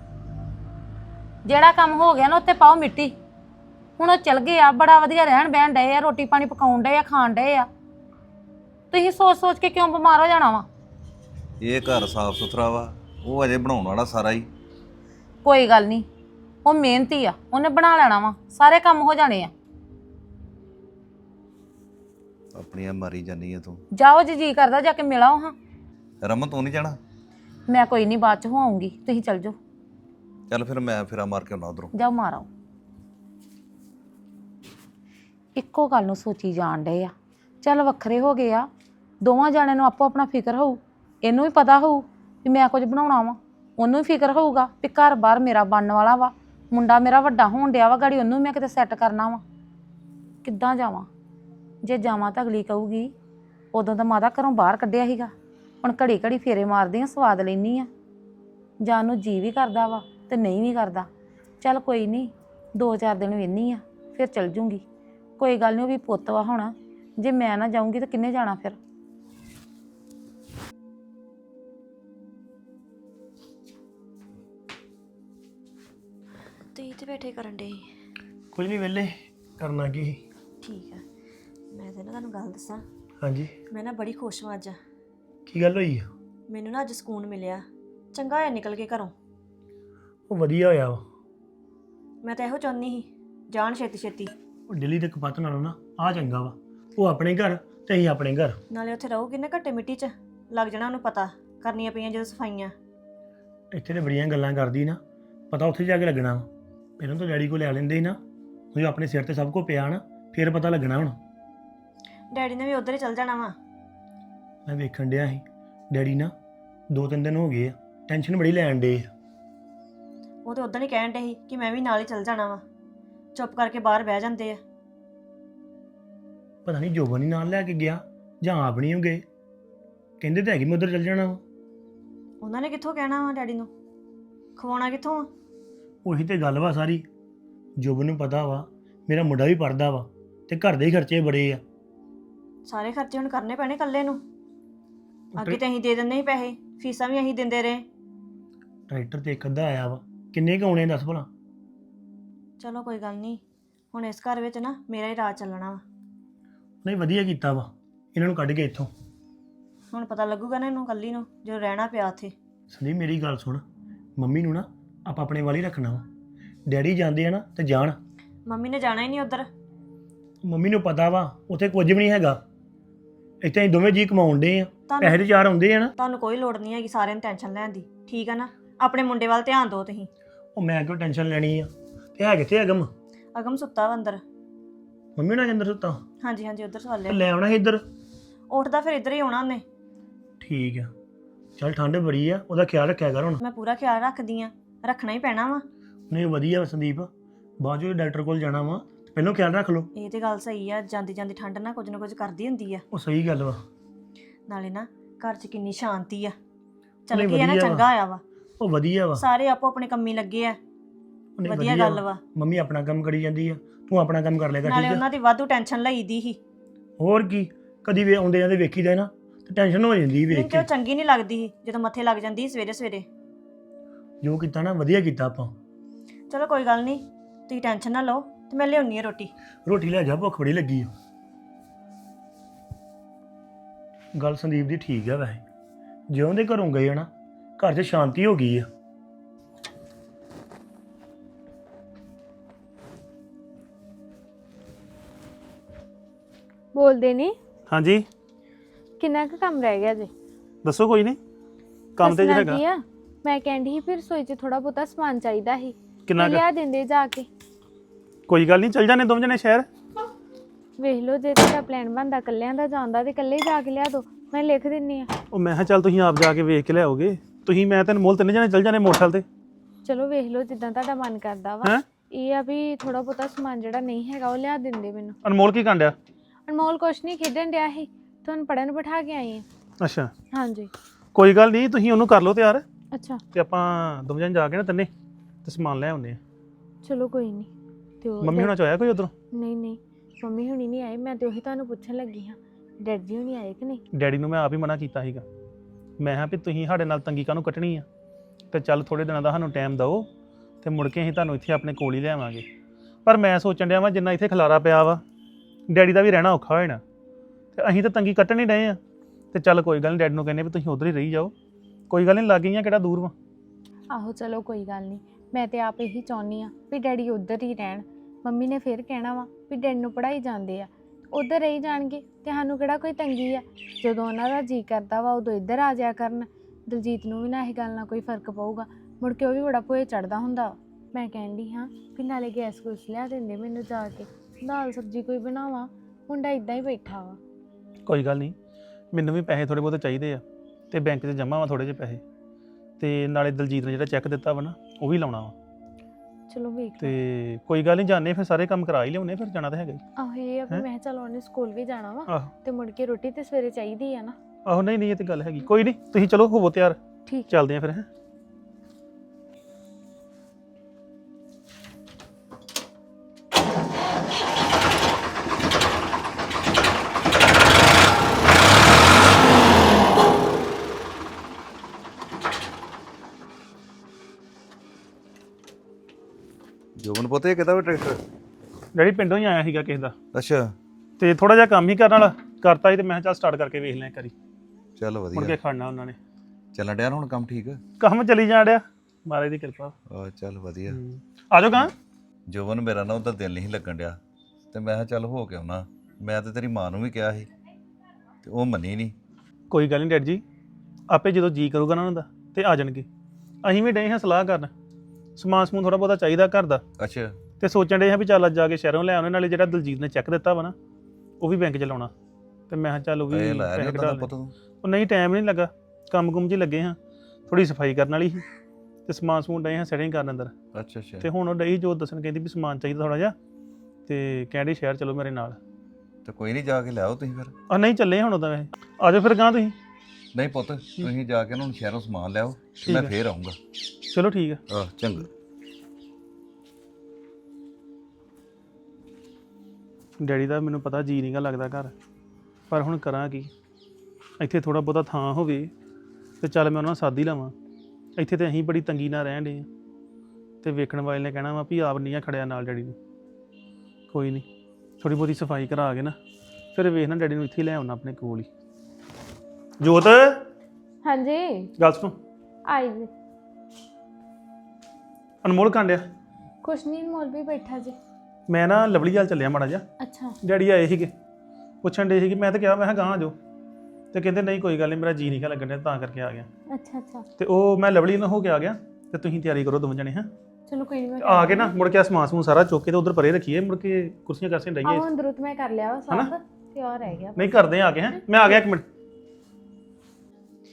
Speaker 1: ਜਿਹੜਾ ਕੰਮ ਹੋ ਗਿਆ ਨਾ ਉੱਤੇ ਪਾਓ ਮਿੱਟੀ। ਹੁਣ ਉਹ ਚਲ ਗਏ ਆ, ਬੜਾ ਵਧੀਆ ਰਹਿਣ ਬਹਿਣ ਡਏ ਆ, ਰੋਟੀ ਪਾਣੀ ਪਕਾਉਣ ਡਏ ਆ, ਖਾਣ ਡਏ ਆ। ਤੁਸੀਂ ਸੋਚ ਸੋਚ ਕੇ ਕਿਉਂ ਬਿਮਾਰ ਹੋ ਜਾਣਾ ਵਾ?
Speaker 3: ਇਹ ਘਰ ਸਾਫ ਸੁਥਰਾ ਵਾ, ਉਹ ਅਜੇ ਬਣਾਉਣ ਵਾਲਾ ਸਾਰਾ ਹੀ।
Speaker 1: ਕੋਈ ਗੱਲ ਨਹੀਂ, ਉਹ ਮਿਹਨਤੀ ਆ, ਉਹਨੇ ਬਣਾ ਲੈਣਾ ਵਾ, ਸਾਰੇ ਕੰਮ ਹੋ ਜਾਣੇ ਆ।
Speaker 3: ਆਪਣੀਆਂ ਮਾਰੀ ਜਾਨੀ ਆ ਤੂੰ।
Speaker 1: ਜਾਓ ਜੇ ਜੀ ਕਰਦਾ ਜਾ ਕੇ ਮਿਲ ਆਓ ਹਾਂ।
Speaker 3: ਰਮਨ ਤੂੰ ਨਹੀਂ ਜਾਣਾ?
Speaker 1: ਮੈਂ ਕੋਈ ਨਹੀਂ, ਬਾਅਦ ਚ ਹੋ ਆਉਂਗੀ, ਤੁਸੀਂ ਚੱਲ ਜਾਓ।
Speaker 3: ਚੱਲ ਫਿਰ ਮੈਂ ਫੇਰਾ ਮਾਰ ਕੇ ਆਉਣਾ ਉਧਰੋਂ।
Speaker 1: ਜਾਓ ਮਾਰ ਆਓ। ਇੱਕੋ ਗੱਲ ਨੂੰ ਸੋਚੀ ਜਾਣ ਡਏ ਆ। ਚੱਲ ਵੱਖਰੇ ਹੋ ਗਏ ਆ, ਦੋਵਾਂ ਜਾਣਿਆਂ ਨੂੰ ਆਪੋ ਆਪਣਾ ਫਿਕਰ ਹੋਊ। ਇਹਨੂੰ ਵੀ ਪਤਾ ਹੋਊ ਵੀ ਮੈਂ ਕੁਝ ਬਣਾਉਣਾ ਵਾ, ਉਹਨੂੰ ਵੀ ਫਿਕਰ ਹੋਊਗਾ ਵੀ ਘਰ ਬਾਹਰ ਮੇਰਾ ਬਣਨ ਵਾਲਾ ਵਾ, ਮੁੰਡਾ ਮੇਰਾ ਵੱਡਾ ਹੋਣ ਡਿਆ ਵਾ, ਗਾੜੀ ਉਹਨੂੰ ਮੈਂ ਕਿਤੇ ਸੈੱਟ ਕਰਨਾ ਵਾ। ਕਿੱਦਾਂ ਜਾਵਾਂ? ਜੇ ਜਾਵਾਂ ਤਾਂ ਅਗਲੀ ਕਹੂਗੀ ਉਦੋਂ ਤਾਂ ਮਾਤਾ ਘਰੋਂ ਬਾਹਰ ਕੱਢਿਆ ਸੀਗਾ, ਹੁਣ ਘੜੀ ਘੜੀ ਫੇਰੇ ਮਾਰਦੀ ਆ, ਸਵਾਦ ਲੈਂਦੀ ਆ। ਜਾਣ ਨੂੰ ਜੀ ਵੀ ਕਰਦਾ ਵਾ ਤੇ ਨਹੀਂ ਵੀ ਕਰਦਾ। ਚੱਲ ਕੋਈ ਨਹੀਂ, ਦੋ ਚਾਰ ਦਿਨ ਵੇਹਨੀ ਆ, ਫਿਰ ਚਲ ਜੂੰਗੀ। ਕੋਈ ਗੱਲ ਨਹੀਂ, ਉਹ ਵੀ ਪੁੱਤ ਵਾ ਹੁਣ। ਜੇ ਮੈਂ ਨਾ ਜਾਊਂਗੀ ਤਾਂ ਕਿੰਨੇ ਜਾਣਾ ਫਿਰ?
Speaker 4: ਤੁਸੀਂ ਤੇ ਬੈਠੇ ਕਰਨ ਡੇ?
Speaker 5: ਕੁਝ ਨਹੀਂ, ਵਿਹਲੇ ਕਰਨਾ ਕੀ।
Speaker 4: ਠੀਕ ਆ, ਮੈਂ ਤੇ ਨਾ ਤੁਹਾਨੂੰ ਗੱਲ ਦੱਸਾਂ।
Speaker 5: ਹਾਂਜੀ
Speaker 4: ਮੈਂ ਨਾ ਬੜੀ ਖੁਸ਼ ਹਾਂ ਅੱਜ।
Speaker 5: ਕੀ ਗੱਲ ਹੋਈ ਆ?
Speaker 4: ਮੈਨੂੰ ਨਾ ਅੱਜ ਸਕੂਨ ਮਿਲਿਆ, ਚੰਗਾ ਹੋਇਆ ਨਿਕਲ ਕੇ ਘਰੋਂ।
Speaker 5: ਉਹ ਵਧੀਆ ਹੋਇਆ ਵਾ।
Speaker 4: ਮੈਂ ਤਾਂ ਇਹੋ ਚਾਹੁੰਦੀ ਸੀ ਜਾਣ ਛੇਤੀ ਛੇਤੀ।
Speaker 5: ਉਹ ਦਿੱਲੀ ਦੇ ਕਪੱਤ ਨਾਲੋਂ ਨਾ ਆ ਚੰਗਾ ਵਾ। ਉਹ ਆਪਣੇ ਘਰ ਤੇ ਅਸੀਂ ਆਪਣੇ ਘਰ।
Speaker 4: ਨਾਲੇ ਉੱਥੇ ਰਹੂਗੀ ਨਾ ਘੱਟੇ ਮਿੱਟੀ 'ਚ, ਲੱਗ ਜਾਣਾ ਉਹਨੂੰ ਪਤਾ, ਕਰਨੀਆਂ ਪਈਆਂ ਜਦੋਂ ਸਫਾਈਆਂ।
Speaker 5: ਇੱਥੇ ਤੇ ਬੜੀਆਂ ਗੱਲਾਂ ਕਰਦੀ ਨਾ, ਪਤਾ ਉੱਥੇ ਜਾ ਕੇ ਲੱਗਣਾ ਵਾ। ਪਹਿਲਾਂ ਤਾਂ ਡੈਡੀ ਕੋਲ ਲੈ ਲੈਂਦੇ ਸੀ ਨਾ, ਉਹ ਆਪਣੇ ਸਿਰ ਤੇ ਸਭ ਕੁਝ ਪਿਆ ਨਾ, ਫਿਰ ਪਤਾ ਲੱਗਣਾ ਹੁਣ।
Speaker 4: ਡੈਡੀ ਨੇ ਵੀ ਉੱਧਰ ਹੀ ਚੱਲ ਜਾਣਾ ਵਾ।
Speaker 5: ਮੈਂ ਵੇਖਣ ਡਿਆ ਸੀ ਡੈਡੀ ਨਾ, ਦੋ ਤਿੰਨ ਦਿਨ ਹੋ ਗਏ ਆ, ਟੈਨਸ਼ਨ ਬੜੀ ਲੈਣ ਡੇ ਆ।
Speaker 4: ਉਹ ਤਾਂ ਉੱਧਰ ਹੀ ਕਹਿਣ ਡੇ ਸੀ ਕਿ ਮੈਂ ਵੀ ਨਾਲ ਹੀ ਚੱਲ ਜਾਣਾ ਵਾ, ਚੁੱਪ ਕਰਕੇ ਬਾਹਰ ਬਹਿ ਜਾਂਦੇ ਆ।
Speaker 5: ਪਤਾ ਨਹੀਂ ਜੋਬਨ ਹੀ ਨਾਲ ਲੈ ਕੇ ਗਿਆ ਜਾਂ ਆਪ ਨਹੀਂ ਹੋ ਗਏ। ਕਹਿੰਦੇ ਤਾਂ ਹੈਗੀ ਮੈਂ ਉੱਧਰ ਚੱਲ ਜਾਣਾ ਵਾ।
Speaker 4: ਉਹਨਾਂ ਨੇ ਕਿੱਥੋਂ ਕਹਿਣਾ ਵਾ ਡੈਡੀ ਨੂੰ, ਖਵਾਉਣਾ ਕਿੱਥੋਂ ਆ?
Speaker 5: ਉਹੀ ਤੇ ਗੱਲ ਵਾ ਸਾਰੀ। ਜੋਬਨ ਨੂੰ ਪਤਾ ਵਾ ਮੇਰਾ ਮੁੰਡਾ ਵੀ ਪੜਦਾ ਵਾ ਤੇ ਘਰ ਦੇ ਹੀ ਖਰਚੇ ਬੜੇ ਆ।
Speaker 4: ਸਾਰੇ ਖਰਚੇ ਹੁਣ ਕਰਨੇ ਪੈਣੇ ਇਕੱਲੇ ਨੂੰ। ਅੱਗੇ ਤਾਂ ਅਸੀਂ ਦੇ ਦਿੰਦੇ ਸੀ ਪੈਸੇ, ਫੀਸਾਂ ਵੀ ਅਸੀਂ ਦਿੰਦੇ ਰਹੇ।
Speaker 5: ਟਰੈਕਟਰ ਤੇ ਇੱਕ ਅੱਧਾ ਆਇਆ ਵਾ, ਕਿੰਨੇ ਕੁ ਆਉਣੇ ਦੱਸ ਭਲਾ?
Speaker 4: ਚਲੋ ਕੋਈ ਗੱਲ ਨਹੀਂ, ਹੁਣ ਇਸ ਘਰ ਵਿੱਚ ਨਾ ਮੇਰਾ ਹੀ ਰਾਜ ਚੱਲਣਾ ਵਾ।
Speaker 5: ਨਹੀਂ ਵਧੀਆ ਕੀਤਾ ਵਾ ਇਹਨਾਂ ਨੂੰ ਕੱਢ ਕੇ ਇੱਥੋਂ।
Speaker 4: ਹੁਣ ਪਤਾ ਲੱਗੂਗਾ ਨਾ ਇਹਨੂੰ ਕੱਲੀ ਨੂੰ ਜਦੋਂ ਰਹਿਣਾ ਪਿਆ ਉੱਥੇ।
Speaker 5: ਸੰਦੀਪ ਮੇਰੀ ਗੱਲ ਸੁਣ, ਮੰਮੀ ਨੂੰ ਨਾ ਆਪਾਂ ਆਪਣੇ ਵੱਲ ਹੀ ਰੱਖਣਾ ਵਾ। ਡੈਡੀ ਜਾਂਦੇ ਆ ਨਾ ਤੇ ਜਾਣ।
Speaker 4: ਮੰਮੀ ਨੇ ਜਾਣਾ ਹੀ ਨਹੀਂ ਉੱਧਰ।
Speaker 5: ਮੰਮੀ ਨੂੰ ਪਤਾ ਵਾ ਉੱਥੇ ਕੁਝ ਵੀ ਨਹੀਂ ਹੈਗਾ। ਇੱਥੇ ਅਸੀਂ ਦੋਵੇਂ ਜੀ ਕਮਾਉਣ ਡੇ ਆ, ਪੈਸੇ ਤੇ ਚਾਰ ਆਉਂਦੇ ਆ ਨਾ।
Speaker 4: ਤੁਹਾਨੂੰ ਕੋਈ ਲੋੜ ਨਹੀਂ ਹੈਗੀ ਸਾਰਿਆਂ ਨੂੰ ਟੈਨਸ਼ਨ ਲੈਣ ਦੀ, ਠੀਕ ਆ ਨਾ? ਆਪਣੇ ਮੁੰਡੇ ਵੱਲ ਧਿਆਨ ਦਿਓ ਤੁਸੀਂ।
Speaker 5: ਉਹ ਮੈਂ ਕਿਉਂ ਟੈਨਸ਼ਨ ਲੈਣੀ ਆ? ਤੇ ਹੈ ਕਿੱਥੇ ਅਗਮ?
Speaker 4: ਅਗਮ ਸੁੱਤਾ ਵਾ ਅੰਦਰ।
Speaker 5: ਮੰਮੀ ਨਾਲ ਅੰਦਰ ਸੁੱਤਾ?
Speaker 4: ਹਾਂਜੀ ਹਾਂਜੀ ਉੱਧਰ ਸਵਾਲਿਆ।
Speaker 5: ਲੈ ਆਉਣਾ ਸੀ ਇੱਧਰ।
Speaker 4: ਉੱਠਦਾ ਫਿਰ ਇੱਧਰ ਹੀ ਆਉਣਾ ਉਹਨੇ।
Speaker 5: ਠੀਕ ਆ। ਚੱਲ ਠੰਡ ਬੜੀ ਆ, ਉਹਦਾ ਖਿਆਲ ਰੱਖਿਆ ਕਰ ਹੁਣ।
Speaker 4: ਮੈਂ ਪੂਰਾ ਖਿਆਲ ਰੱਖਦੀ ਆ, ਰੱਖਣਾ ਹੀ ਪੈਣਾ ਵਾ।
Speaker 5: ਨਹੀਂ ਵਧੀਆ ਵਾ ਸੰਦੀਪ, ਬਾਅਦ ਚੋਂ ਡਾਕਟਰ ਕੋਲ ਜਾਣਾ ਵਾ ਤੇ ਪਹਿਲਾਂ ਖਿਆਲ ਰੱਖ ਲਓ।
Speaker 4: ਇਹ ਤੇ ਗੱਲ ਸਹੀ ਆ, ਜਾਂਦੀ ਜਾਂਦੀ ਠੰਡ ਨਾ ਕੁਝ ਨਾ ਕੁਝ ਕਰਦੀ ਹੁੰਦੀ ਆ।
Speaker 5: ਉਹ ਸਹੀ ਗੱਲ ਵਾ।
Speaker 4: ਨਾਲੇ ਨਾ ਘਰ 'ਚ ਕਿੰਨੀ ਸ਼ਾਂਤੀ ਆ। ਚੱਲ
Speaker 5: ਨਹੀਂ,
Speaker 4: ਗਈ ਆ ਨਾ,
Speaker 5: ਵਧੀਆ ਵਾ।
Speaker 4: ਚੰਗਾ ਆਇਆ ਵਾ।
Speaker 5: ਉਹ ਵਧੀਆ ਵਾ।
Speaker 4: ਸਾਰੇ ਆਪੋ ਆਪਣੇ ਕੰਮੀ ਲੱਗੇ ਆ।
Speaker 5: ਉਹ ਨਹੀਂ,
Speaker 4: ਵਧੀਆ ਗੱਲ ਵਾ।
Speaker 5: ਮੰਮੀ ਆਪਣਾ ਕੰਮ ਕਰੀ ਜਾਂਦੀ ਆ, ਤੂੰ ਆਪਣਾ ਕੰਮ ਕਰ ਲਿਆ ਕਰ,
Speaker 4: ਨਾਲੇ
Speaker 5: ਠੀਕ ਆ।
Speaker 4: ਉਹਨਾਂ ਦੀ ਵਾਧੂ ਟੈਨਸ਼ਨ ਲਈਦੀ ਸੀ।
Speaker 5: ਹੋਰ ਕੀ, ਕਦੀ ਵੇ ਆਉਂਦੇ ਜਾਂਦੇ ਵੇਖੀਦਾ ਨਾ ਤੇ ਟੈਨਸ਼ਨ ਹੋ ਜਾਂਦੀ ਵੇਖ
Speaker 4: ਮੈਨੂੰ ਤੇ
Speaker 5: ਕੇ।
Speaker 4: ਉਹ ਚੰਗੀ ਨਹੀਂ ਲੱਗਦੀ ਸੀ ਜਦੋਂ ਮੱਥੇ ਲੱਗ ਜਾਂਦੀ ਸੀ ਸਵੇਰੇ ਸਵੇਰੇ।
Speaker 5: ਜੋ ਕੀਤਾ ਨਾ ਵਧੀਆ ਕੀਤਾ ਆਪਾਂ।
Speaker 4: ਚਲੋ ਕੋਈ ਗੱਲ ਨਹੀਂ, ਤੁਸੀਂ ਟੈਨਸ਼ਨ ਨਾ ਲਓ ਤੇ ਮੈਂ ਲਿਆਉਣੀ ਆ ਰੋਟੀ।
Speaker 5: ਰੋਟੀ ਲੈ ਜਾ, ਭੁੱਖ ਬੜੀ ਲੱਗੀ ਆ। ਗੱਲ ਸੰਦੀਪ ਦੀ ਠੀਕ ਆ ਵੈਸੇ, ਜਿਉਂ ਦੇ ਘਰੋਂ ਗਏ ਆ ਨਾ ਘਰ 'ਚ ਸ਼ਾਂਤੀ ਹੋ ਗਈ ਆ।
Speaker 2: ਬੋਲਦੇ ਨਹੀਂ
Speaker 6: ਹਾਂਜੀ
Speaker 2: ਕਿੰਨਾ ਕੁ ਕੰਮ ਰਹਿ ਗਿਆ ਜੀ?
Speaker 6: ਦੱਸੋ, ਕੋਈ ਨਹੀਂ ਕੰਮ ਤੇ
Speaker 2: ਦੱਸਣਾ
Speaker 6: ਹੈਗਾ।
Speaker 2: ਕੀ ਆ, ਮੈਂ ਕਹਿੰਦੀ ਸੀ ਫਿਰ ਰਸੋਈ 'ਚ ਥੋੜਾ ਬਹੁਤਾ ਸਮਾਨ ਚਾਹੀਦਾ ਸੀ,
Speaker 6: ਕਿੰਨਾ
Speaker 2: ਤੇ
Speaker 6: ਕੁ?
Speaker 2: ਲਿਆ ਦਿੰਦੇ ਜਾ ਕੇ।
Speaker 6: ਕੋਈ ਗੱਲ ਨਹੀਂ, ਚੱਲ ਜਾਣੇ ਦੋਵੇਂ ਜਣੇ ਸ਼ਹਿਰ।
Speaker 2: ਵੇਖ ਲਓ ਜੇ ਤੁਹਾਡਾ ਪਲਾਨ ਬਣਦਾ ਕੱਲਿਆਂ ਦਾ ਜਾਂਦਾ ਤੇ ਕੱਲੇ ਹੀ ਜਾ ਕੇ ਲਿਆ ਦੋ, ਮੈਂ ਲਿਖ ਦਿੰਨੀ ਆ।
Speaker 6: ਉਹ ਮੈਂ ਕਿਹਾ ਚੱਲ ਤੁਸੀਂ ਆਪ ਜਾ ਕੇ ਵੇਖ ਕੇ ਲਿਆਓਗੇ। ਤੁਸੀਂ ਮੈਂ ਤੈਨੂੰ ਮੋਲ ਤਿੰਨੇ ਜਣੇ ਚੱਲ ਜਾਣੇ ਮੋਟਰਸਾਈਕਲ ਤੇ।
Speaker 2: ਚਲੋ ਵੇਖ ਲਓ ਜਿੱਦਾਂ ਤੁਹਾਡਾ ਮਨ ਕਰਦਾ ਵਾ।
Speaker 6: ਹੈਂ?
Speaker 2: ਇਹ ਆ ਵੀ ਥੋੜਾ ਬਹੁਤਾ ਸਮਾਨ ਜਿਹੜਾ ਨਹੀਂ ਹੈਗਾ ਉਹ ਲਿਆ ਦਿੰਦੇ ਮੈਨੂੰ।
Speaker 6: ਅਨਮੋਲ ਕੀ ਕਾਂਡਿਆ?
Speaker 2: ਅਨਮੋਲ ਕੁਛ ਨਹੀਂ, ਖੇਡਣ ਡਿਆ ਸੀ, ਤੁਹਾਨੂੰ ਪੜਨ ਬਿਠਾ ਕੇ ਆਈ ਆ।
Speaker 6: ਅੱਛਾ,
Speaker 2: ਹਾਂਜੀ।
Speaker 6: ਕੋਈ ਗੱਲ ਨਹੀਂ, ਤੁਸੀਂ ਉਹਨੂੰ ਕਰ ਲਓ ਤਿਆਰ
Speaker 2: ਅੱਛਾ
Speaker 6: ਤੇ ਆਪਾਂ ਦੋਵੇਂ ਜਣੇ ਜਾ ਕੇ ਨਾ ਤਿੰਨੇ ਤੇ ਸਮਾਨ ਲੈ ਆਉਂਦੇ ਆ।
Speaker 2: ਚਲੋ ਕੋਈ ਨਹੀਂ। ਤੇ ਉਹ
Speaker 6: ਮੰਮੀ ਹੁਣਾਂ ਚ ਆਇਆ ਕੋਈ ਉਧਰੋਂ?
Speaker 2: ਨਹੀਂ ਨਹੀਂ, ਮੰਮੀ ਹੁਣੀ ਨਹੀਂ ਆਏ, ਮੈਂ ਤੇ ਉਹੀ ਤੁਹਾਨੂੰ ਪੁੱਛਣ ਲੱਗੀ ਹਾਂ ਡੈਡ ਜੀ ਹੁਣੀ ਆਏ ਕਿ ਨਹੀਂ?
Speaker 6: ਡੈਡੀ ਨੂੰ ਮੈਂ ਆਪ ਹੀ ਮਨਾ ਕੀਤਾ ਸੀਗਾ। ਮੈਂ ਕਿਹਾ ਵੀ ਤੁਸੀਂ ਸਾਡੇ ਨਾਲ ਤੰਗੀ ਕਾਹਨੂੰ ਕੱਟਣੀ ਆ, ਤੇ ਚੱਲ ਥੋੜੇ ਦਿਨਾਂ ਦਾ ਸਾਨੂੰ ਟਾਈਮ ਦਿਓ ਤੇ ਮੁੜ ਕੇ ਅਸੀਂ ਤੁਹਾਨੂੰ ਇੱਥੇ ਆਪਣੇ ਕੋਲ ਹੀ ਲਿਆਵਾਂਗੇ। ਪਰ ਮੈਂ ਸੋਚਣ ਡਿਆ ਵਾਂ ਜਿੰਨਾ ਇੱਥੇ ਖਲਾਰਾ ਪਿਆ ਵਾ ਡੈਡੀ ਦਾ ਵੀ ਰਹਿਣਾ ਔਖਾ ਹੋ ਜਾਣਾ, ਤੇ ਅਸੀਂ ਤਾਂ ਤੰਗੀ ਕੱਟਣ ਹੀ ਡਏ ਆ। ਤੇ ਚੱਲ ਕੋਈ ਗੱਲ ਨਹੀਂ, ਡੈਡੀ ਨੂੰ ਕਹਿੰਦੇ ਵੀ ਤੁਸੀਂ ਉਧਰ ਹੀ ਰਹੀ ਜਾਓ, ਕੋਈ ਗੱਲ ਨਹੀਂ, ਲੱਗ ਗਈਆਂ ਕਿਹੜਾ ਦੂਰ ਵਾ।
Speaker 2: ਆਹੋ ਚਲੋ ਕੋਈ ਗੱਲ ਨਹੀਂ, ਮੈਂ ਤੇ ਆਪ ਇਹੀ ਚਾਹੁੰਦੀ ਆ ਵੀ ਡੈਡੀ ਉੱਧਰ ਹੀ ਰਹਿਣ। ਮੰਮੀ ਨੇ ਫਿਰ ਕਹਿਣਾ ਵਾ ਵੀ ਡੈਡ ਨੂੰ ਪੜ੍ਹਾਈ ਜਾਂਦੇ ਆ, ਉੱਧਰ ਰਹੀ ਜਾਣਗੇ ਤੇ ਸਾਨੂੰ ਕਿਹੜਾ ਕੋਈ ਤੰਗੀ ਆ। ਜਦੋਂ ਉਹਨਾਂ ਦਾ ਜੀ ਕਰਦਾ ਵਾ ਉਦੋਂ ਇੱਧਰ ਆ ਜਾਇਆ ਕਰਨ। ਦਲਜੀਤ ਨੂੰ ਵੀ ਨਾ ਇਹ ਗੱਲ ਨਾਲ ਕੋਈ ਫਰਕ ਪਊਗਾ, ਮੁੜ ਕੇ ਉਹ ਵੀ ਬੜਾ ਭੋਏ ਚੜਦਾ ਹੁੰਦਾ। ਮੈਂ ਕਹਿੰਦੀ ਹਾਂ ਵੀ ਨਾਲੇ ਗੈਸ ਗੂਸ ਲਿਆ ਦਿੰਦੇ ਮੈਨੂੰ ਜਾ ਕੇ, ਦਾਲ ਸਬਜ਼ੀ ਕੋਈ ਬਣਾਵਾਂ, ਮੁੰਡਾ ਇਦਾਂ ਹੀ ਬੈਠਾ ਵਾ।
Speaker 6: ਕੋਈ ਗੱਲ ਨਹੀਂ, ਮੈਨੂੰ ਵੀ ਪੈਸੇ ਥੋੜੇ ਬਹੁਤੇ ਚਾਹੀਦੇ ਆ ਤੇ ਬੈਂਕ 'ਚ ਜਮ੍ਹਾਂ ਵਾ ਥੋੜੇ ਜਿਹੇ ਪੈਸੇ, ਤੇ ਨਾਲੇ ਦਲਜੀਤ ਨੇ ਜਿਹੜਾ ਚੈੱਕ ਦਿੱਤਾ ਵਾ ਨਾ ਉਹ ਵੀ ਲਾਉਣਾ ਵਾ।
Speaker 2: ਚਲੋ ਵੇਖ ਲਓ।
Speaker 6: ਤੇ ਕੋਈ ਗੱਲ ਨਹੀਂ, ਜਾਣੇ ਫਿਰ ਸਾਰੇ ਕੰਮ ਕਰਾ ਹੀ ਲਿਆਉਣੇ, ਫਿਰ ਜਾਣਾ ਤਾਂ ਹੈਗਾ ਹੀ।
Speaker 2: ਆਹੋ ਇਹ ਆ ਵੀ ਮੈਂ ਚਲ ਉਹਨੇ ਸਕੂਲ ਵੀ ਜਾਣਾ ਵਾ
Speaker 6: ਆਹੋ
Speaker 2: ਤੇ ਮੁੜ ਕੇ ਰੋਟੀ ਤੇ ਸਵੇਰੇ ਚਾਹੀਦੀ ਆ ਨਾ।
Speaker 6: ਆਹੋ, ਨਹੀਂ ਨਹੀਂ ਇਹ ਤੇ ਗੱਲ ਹੈਗੀ। ਕੋਈ ਨਹੀਂ, ਤੁਸੀਂ ਚਲੋ ਹੋਵੋ ਤਿਆਰ,
Speaker 2: ਠੀਕ।
Speaker 6: ਚੱਲਦੇ ਆ ਫਿਰ। ਹੈਂ?
Speaker 3: ਜੋਬਨ ਪੁੱਤ ਇਹ ਕਿਹਦਾ ਵਾ ਟਰੈਕਟਰ?
Speaker 6: ਡੈਡੀ ਪਿੰਡੋਂ ਹੀ ਆਇਆ ਸੀਗਾ ਕਿਸੇ ਦਾ,
Speaker 3: ਅੱਛਾ,
Speaker 6: ਤੇ ਥੋੜਾ ਜਿਹਾ ਕੰਮ ਹੀ ਕਰਨ ਵਾਲਾ ਕਰਤਾ ਸੀ, ਤੇ ਮੈਂ ਕਿਹਾ ਚੱਲ ਸਟਾਰਟ ਕਰਕੇ ਵੇਖ ਲਿਆ ਕਰੀ,
Speaker 3: ਚੱਲ
Speaker 6: ਮੁੜ ਕੇ
Speaker 3: ਵਧੀਆ।
Speaker 6: ਖੜਨਾ ਉਹਨਾਂ ਨੇ।
Speaker 3: ਚੱਲਣ ਡਿਆ ਨਾ ਹੁਣ ਕੰਮ ਠੀਕ ਆ?
Speaker 6: ਕੰਮ ਚੱਲੀ ਜਾਣ ਡਿਆ, ਮਹਾਰਾਜ ਦੀ ਕਿਰਪਾ।
Speaker 3: ਆ ਚੱਲ ਵਧੀਆ।
Speaker 6: ਆ ਜਾਓ ਕਾਂ।
Speaker 3: ਜੋਬਨ ਮੇਰਾ ਨਾ ਉਹਦਾ ਦਿਲ ਨਹੀਂ ਲੱਗਣ ਡਿਆ, ਤੇ ਮੈਂ ਕਿਹਾ ਚੱਲ ਹੋ ਕੇ ਆਉਣਾ। ਮੈਂ ਤੇ ਤੇਰੀ ਮਾਂ ਨੂੰ ਵੀ ਕਿਹਾ ਸੀ ਤੇ ਉਹ ਮੰਨੀ ਨਹੀਂ।
Speaker 6: ਕੋਈ ਗੱਲ ਨਹੀਂ ਡੈਡ ਜੀ, ਆਪੇ ਜਦੋਂ ਜੀ ਕਰੂਗਾ ਨਾ ਉਹਨਾਂ ਦਾ ਤੇ ਆ ਜਾਣਗੇ। ਅਸੀਂ ਵੀ ਡਏ ਹਾਂ ਸਲਾਹ ਕਰਨ, ਸਮਾਨ ਸਮੂਨ ਥੋੜਾ ਬਹੁਤਾ ਚਾਹੀਦਾ ਘਰ ਦਾ,
Speaker 3: ਅੱਛਾ,
Speaker 6: ਤੇ ਸੋਚਣ ਡਏ ਹਾਂ ਵੀ ਚੱਲ ਅੱਜ ਜਾ ਕੇ ਸ਼ਹਿਰੋਂ ਲੈ ਆਉਣੇ, ਨਾਲੇ ਜਿਹੜਾ ਦਲਜੀਤ ਨੇ ਚੈੱਕ ਦਿੱਤਾ ਵਾ ਨਾ ਉਹ ਵੀ ਬੈਂਕ 'ਚ ਲਾਉਣਾ। ਤੇ ਮੈਂ ਕਿਹਾ ਚੱਲ ਉਹ ਵੀ
Speaker 3: ਇਹ ਲਾਇਆ ਨਹੀਂ
Speaker 6: ਪੈਸੇ
Speaker 3: ਉਹਦਾ
Speaker 6: ਕਢਾ
Speaker 3: ਪੁੱਤ
Speaker 6: ਲਏ।
Speaker 3: ਤੂੰ?
Speaker 6: ਉਹ ਨਹੀਂ, ਟਾਈਮ ਨਹੀਂ ਲੱਗਾ, ਕੰਮ ਕੁੰਮ 'ਚ ਹੀ ਲੱਗੇ ਹਾਂ, ਥੋੜੀ ਸਫਾਈ ਕਰਨ ਵਾਲੀ ਸੀ ਤੇ ਸਮਾਨ ਸਮੂਨ ਡਏ ਹਾਂ ਸੈਟਿੰਗ ਕਰਨ ਅੰਦਰ।
Speaker 3: ਅੱਛਾ ਅੱਛਾ,
Speaker 6: ਤੇ ਹੁਣ ਉਹ ਡਈ ਜੋ ਦੱਸਣ ਕਹਿੰਦੀ ਵੀ ਸਮਾਨ ਚਾਹੀਦਾ ਥੋੜਾ ਜਿਹਾ, ਤੇ ਕਹਿੰਦੇ ਸ਼ਹਿਰ ਚਲੋ ਮੇਰੇ ਨਾਲ।
Speaker 3: ਤੇ ਕੋਈ ਨਹੀਂ, ਜਾ ਕੇ ਲਿਆਓ ਤੁਸੀਂ ਫਿਰ।
Speaker 6: ਆ ਨਹੀਂ ਚੱਲੇ ਹੁਣ ਉਹਦਾ ਵੈਸੇ, ਆ ਜਾਓ ਫਿਰ ਗਾਂ ਤੁਸੀਂ।
Speaker 3: ਨਹੀਂ ਪੁੱਤ, ਤੁਸੀਂ ਜਾ ਕੇ ਉਹਨਾਂ ਨੂੰ ਸ਼ਹਿਰੋਂ ਸਮਾਨ ਲਿਆਓ,
Speaker 6: ਠੀਕ
Speaker 3: ਮੈਂ
Speaker 6: ਆ।
Speaker 3: ਫੇਰ ਆਉਂਗਾ।
Speaker 6: ਚਲੋ ਠੀਕ ਆ।
Speaker 3: ਆਹ ਚੰਗਾ।
Speaker 6: ਡੈਡੀ ਦਾ ਮੈਨੂੰ ਪਤਾ ਜੀ ਨਹੀਂਗਾ ਲੱਗਦਾ ਘਰ, ਪਰ ਹੁਣ ਕਰਾਂ ਕੀ। ਇੱਥੇ ਥੋੜਾ ਬਹੁਤਾ ਥਾਂ ਹੋਵੇ ਤੇ ਚੱਲ ਮੈਂ ਉਹਨਾਂ ਨਾਲ ਸਾਦੀ ਲਵਾਂ। ਇੱਥੇ ਤੇ ਅਸੀਂ ਬੜੀ ਤੰਗੀ ਨਾਲ ਰਹਿਣ ਡੇ, ਤੇ ਵੇਖਣ ਵਾਲੇ ਨੇ ਕਹਿਣਾ ਵਾ ਵੀ ਆਪ ਨਹੀਂ ਆ ਖੜਿਆ ਨਾਲ ਡੈਡੀ ਨੂੰ। ਕੋਈ ਨਹੀਂ, ਥੋੜੀ ਬਹੁਤੀ ਸਫਾਈ ਕਰਾ ਕੇ ਨਾ ਫਿਰ ਵੇਖਣਾ ਡੈਡੀ ਨੂੰ ਇੱਥੇ ਲੈ ਆਉਣਾ ਆਪਣੇ ਕੋਲ ਹੀ। ਜੋਤ,
Speaker 2: ਹਾਂਜੀ
Speaker 6: ਗੱਲ ਸੁਣੋ।
Speaker 2: ਆਈ ਜੀ।
Speaker 6: ਅਨਮੋਲ ਕਾਂਡਿਆ,
Speaker 2: ਕੁਛ ਨਹੀਂ, ਮੋਲ ਵੀ ਬੈਠਾ ਜੀ।
Speaker 6: ਮੈਂ ਨਾ ਲਵਲੀ ਹਾਲ ਚੱਲਿਆ ਮਾੜਾ ਜਿਹਾ।
Speaker 2: ਅੱਛਾ
Speaker 6: ਡੈਡੀ ਆਏ ਸੀਗੇ, ਪੁੱਛਣ ਡੇ ਸੀਗੇ, ਮੈਂ ਤਾਂ ਕਿਹਾ ਮੈਂ ਕਿਹਾ ਗਾਂ ਆ ਜਾਓ, ਤੇ ਕਹਿੰਦੇ ਨਹੀਂ ਕੋਈ ਗੱਲ ਨਹੀਂ, ਮੇਰਾ ਜੀ ਨਹੀਂ ਖਾ ਲੱਗਣ ਡਿਆ ਤਾਂ ਕਰਕੇ ਆ ਗਿਆ।
Speaker 2: ਅੱਛਾ ਅੱਛਾ
Speaker 6: ਤੇ ਉਹ ਮੈਂ ਲਵਲੀ ਨਾਲ ਹੋ ਕੇ ਆ ਗਿਆ, ਤੇ ਤੁਸੀਂ ਤਿਆਰੀ ਕਰੋ ਦੋਵੇਂ ਜਣੇ। ਹਾਂ,
Speaker 2: ਚਲੋ ਕੋਈ ਨਹੀਂ, ਮੈਂ
Speaker 6: ਆ ਕੇ ਨਾ ਮੁੜ ਕੇ ਸਮਾਨ ਸਮੂਨ ਸਾਰਾ ਚੁੱਕ ਕੇ ਤੇ ਉਧਰ ਪਰੇ ਰੱਖੀਏ, ਮੁੜ ਕੇ ਕੁਰਸੀਆਂ ਕਰਸੀਆਂ ਡਾਈਏ।
Speaker 2: ਆਹ ਅੰਦਰੋਂ ਤੇ ਮੈਂ ਕਰ ਲਿਆ ਵਾ ਸਾਫ, ਤੇ ਆ ਰਹਿ ਗਿਆ।
Speaker 6: ਨਹੀਂ ਕਰਦੇ ਆ ਕੇ। ਹੈ, ਮੈਂ ਆ ਗਿਆ ਇੱਕ ਮਿੰਟ।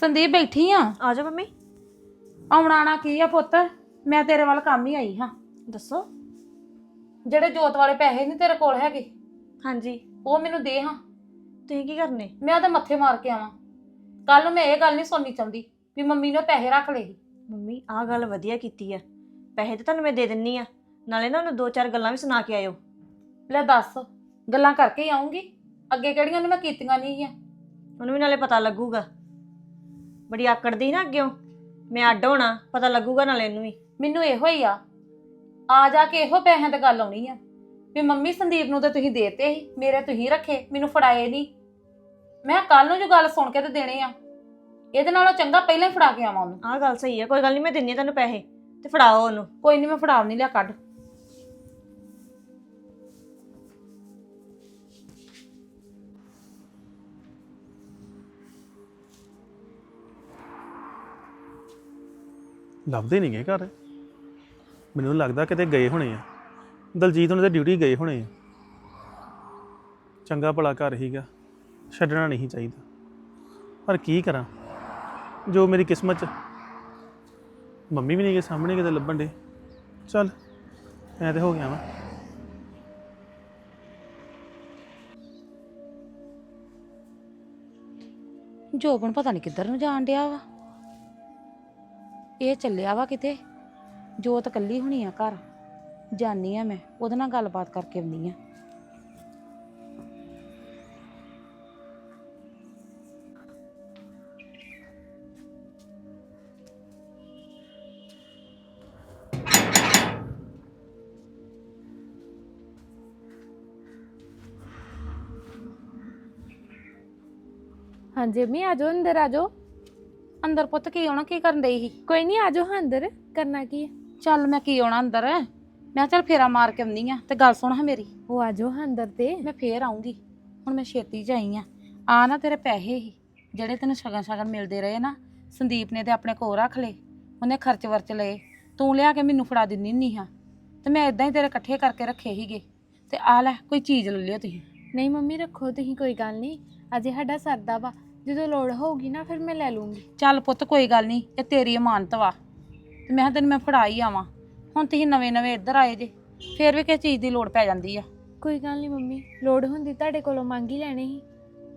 Speaker 1: ਸੰਦੀਪ ਬੈਠੀ ਆ।
Speaker 4: ਆ ਜਾਓ ਮੰਮੀ।
Speaker 1: ਆਉਣਾ ਨਾ ਕੀ ਆ ਪੁੱਤ, ਮੈਂ ਤੇਰੇ ਵੱਲ ਕੰਮ ਹੀ ਆਈ ਹਾਂ।
Speaker 4: ਦੱਸੋ।
Speaker 1: ਜਿਹੜੇ ਜੋਤ ਵਾਲੇ ਪੈਸੇ ਨਹੀਂ ਤੇਰੇ ਕੋਲ ਹੈਗੇ,
Speaker 4: ਹਾਂਜੀ।
Speaker 1: ਉਹ ਮੈਨੂੰ ਦੇ ਹਾਂ।
Speaker 4: ਤੁਸੀਂ ਕੀ ਕਰਨੇ?
Speaker 1: ਮੈਂ ਉਹਦੇ ਮੱਥੇ ਮਾਰ ਕੇ ਆਵਾਂ। ਕੱਲ ਨੂੰ ਮੈਂ ਇਹ ਗੱਲ ਨਹੀਂ ਸੁਣਨੀ ਚਾਹੁੰਦੀ ਵੀ ਮੰਮੀ ਨੇ ਪੈਸੇ ਰੱਖ ਲਏ ਸੀ।
Speaker 4: ਮੰਮੀ ਆਹ ਗੱਲ ਵਧੀਆ ਕੀਤੀ ਆ। ਪੈਸੇ ਤੇ ਤੁਹਾਨੂੰ ਮੈਂ ਦੇ ਦਿੰਨੀ ਆ, ਨਾਲੇ ਨਾ ਉਹਨੂੰ ਦੋ ਚਾਰ ਗੱਲਾਂ ਵੀ ਸੁਣਾ ਕੇ ਆਇਓ।
Speaker 1: ਲੈ ਦੱਸ, ਗੱਲਾਂ ਕਰਕੇ ਹੀ ਆਉਂਗੀ, ਅੱਗੇ ਕਿਹੜੀਆਂ ਨੇ ਮੈਂ ਕੀਤੀਆਂ ਨਹੀਂ ਆ।
Speaker 4: ਉਹਨੂੰ ਵੀ ਨਾਲੇ ਪਤਾ ਲੱਗੂਗਾ। ਬੜੀ ਆਕੜਦੀ ਨਾ ਅੱਗਿਓ, ਮੈਂ ਅੱਡ ਹੋਣਾ, ਪਤਾ ਲੱਗੂਗਾ ਨਾਲੇ ਇਹਨੂੰ ਵੀ।
Speaker 1: ਮੈਨੂੰ ਇਹੋ ਹੀ ਆ, ਆ ਜਾ ਕੇ ਇਹੋ ਪੈਸਿਆਂ ਤੇ ਗੱਲ ਆਉਣੀ ਆ ਵੀ ਮੰਮੀ ਸੰਦੀਪ ਨੂੰ ਤਾਂ ਤੁਸੀਂ ਦੇਤੇ ਸੀ, ਮੇਰੇ ਤੁਸੀਂ ਰੱਖੇ, ਮੈਨੂੰ ਫੜਾਏ ਨਹੀਂ। ਮੈਂ ਕੱਲ ਨੂੰ ਜੋ ਗੱਲ ਸੁਣ ਕੇ ਤੇ ਦੇਣੇ ਆ, ਇਹਦੇ ਨਾਲੋਂ ਚੰਗਾ ਪਹਿਲਾਂ ਹੀ ਫੜਾ ਕੇ ਆਵਾਂ ਉਹਨੂੰ।
Speaker 4: ਆਹ ਗੱਲ ਸਹੀ ਆ, ਕੋਈ ਗੱਲ ਨਹੀਂ, ਮੈਂ ਦਿੰਨੀ ਆ ਤੁਹਾਨੂੰ ਪੈਸੇ ਤੇ ਫੜਾਓ ਉਹਨੂੰ।
Speaker 1: ਕੋਈ ਨਹੀਂ, ਮੈਂ ਫੜਾ ਨਹੀਂ ਲਿਆ, ਕੱਢ।
Speaker 6: ਲੱਭਦੇ ਨਹੀਂ ਗਏ ਘਰ। ਮੈਨੂੰ ਲੱਗਦਾ ਕਿਤੇ ਗਏ ਹੋਣੇ ਆ, ਦਲਜੀਤ ਉਹਨਾਂ ਦੇ ਡਿਊਟੀ ਗਏ ਹੋਣੇ ਆ। ਚੰਗਾ ਭਲਾ ਘਰ ਹੀਗਾ, ਛੱਡਣਾ ਨਹੀਂ ਚਾਹੀਦਾ, ਪਰ ਕੀ ਕਰਾਂ, ਜੋ ਮੇਰੀ ਕਿਸਮਤ 'ਚ। ਮੰਮੀ ਵੀ ਨਹੀਂ ਗਏ ਸਾਹਮਣੇ ਕਿਤੇ ਲੱਭਣ ਦੇ। ਚੱਲ ਮੈਂ ਤੇ ਹੋ ਗਿਆ ਵਾ।
Speaker 1: ਜੋਬਨ ਪਤਾ ਨਹੀਂ ਕਿੱਧਰ ਨੂੰ ਜਾਣ ਡਿਆ ਵਾ। ਇਹ ਚੱਲਿਆ ਵਾ ਕਿਤੇ। ਜੋਤ ਇਕੱਲੀ ਹੋਣੀ ਆ ਘਰ, ਜਾਨੀ ਆ ਮੈਂ ਉਹਦੇ ਨਾਲ ਗੱਲਬਾਤ ਕਰਕੇ ਆਉਂਦੀ ਆ।
Speaker 2: ਹਾਂਜੀ ਅੰਮੀ, ਆ ਜਾਓ ਅੰਦਰ, ਆ ਜਾਓ।
Speaker 1: ਅੰਦਰ ਪੁੱਤ ਕੀ ਆਉਣਾ, ਕੀ ਕਰਨ ਡਈ ਸੀ?
Speaker 2: ਕੋਈ ਨਹੀਂ, ਆ ਜਾਓ ਹਾਂ ਅੰਦਰ, ਕਰਨਾ ਕੀ ਹੈ?
Speaker 1: ਚੱਲ ਮੈਂ ਕੀ ਆਉਣਾ ਅੰਦਰ, ਮੈਂ ਚੱਲ ਫੇਰਾ ਮਾਰ ਕੇ ਆਉਂਦੀ ਆ। ਤੇ ਗੱਲ ਸੁਣ ਹਾਂ ਮੇਰੀ,
Speaker 2: ਉਹ ਆ ਜਾਓ ਹਾਂ ਅੰਦਰ ਤੇ।
Speaker 1: ਮੈਂ ਫੇਰ ਆਉਂਗੀ। ਹੁਣ ਮੈਂ ਛੇਤੀ ਚ ਆਈ ਆ। ਆ ਨਾ ਤੇਰੇ ਪੈਸੇ ਹੀ ਜਿਹੜੇ ਤੈਨੂੰ ਸ਼ਗਨ ਸ਼ਗਨ ਮਿਲਦੇ ਰਹੇ ਨਾ, ਸੰਦੀਪ ਨੇ ਤੇ ਆਪਣੇ ਕੋਲ ਰੱਖ ਲਏ, ਉਹਨੇ ਖਰਚ ਵਰਚ ਲਏ, ਤੂੰ ਲਿਆ ਕੇ ਮੈਨੂੰ ਫੜਾ ਦਿੰਦੀ ਨਹੀਂ ਹਾਂ। ਤੇ ਮੈਂ ਇਦਾਂ ਹੀ ਤੇਰੇ ਇਕੱਠੇ ਕਰਕੇ ਰੱਖੇ ਸੀਗੇ। ਤੇ ਆ ਲੈ ਕੋਈ ਚੀਜ਼ ਲੈ ਲਿਓ ਤੁਸੀਂ।
Speaker 2: ਨਹੀਂ ਮੰਮੀ, ਰੱਖੋ ਤੁਸੀਂ, ਕੋਈ ਗੱਲ ਨਹੀਂ। ਅਜੇ ਸਾਡਾ ਸਰਦਾ ਵਾ, ਜਦੋਂ ਲੋੜ ਹੋਊਗੀ ਨਾ ਫਿਰ ਮੈਂ ਲੈ ਲੂੰਗੀ।
Speaker 1: ਚੱਲ ਪੁੱਤ ਕੋਈ ਗੱਲ ਨਹੀਂ, ਇਹ ਤੇਰੀ ਅਮਾਨਤ ਵਾ, ਤੇ ਮੈਂ ਕਿਹਾ ਤੈਨੂੰ ਮੈਂ ਫੜਾ ਹੀ ਆਵਾਂ। ਹੁਣ ਤੁਸੀਂ ਨਵੇਂ ਨਵੇਂ ਇੱਧਰ ਆਏ ਜੇ, ਫੇਰ ਵੀ ਕਿਸੇ ਚੀਜ਼ ਦੀ ਲੋੜ ਪੈ ਜਾਂਦੀ ਆ।
Speaker 2: ਕੋਈ ਗੱਲ ਨਹੀਂ ਮੰਮੀ, ਲੋੜ ਹੁੰਦੀ ਤੁਹਾਡੇ ਕੋਲੋਂ ਮੰਗ ਹੀ ਲੈਣੇ ਸੀ।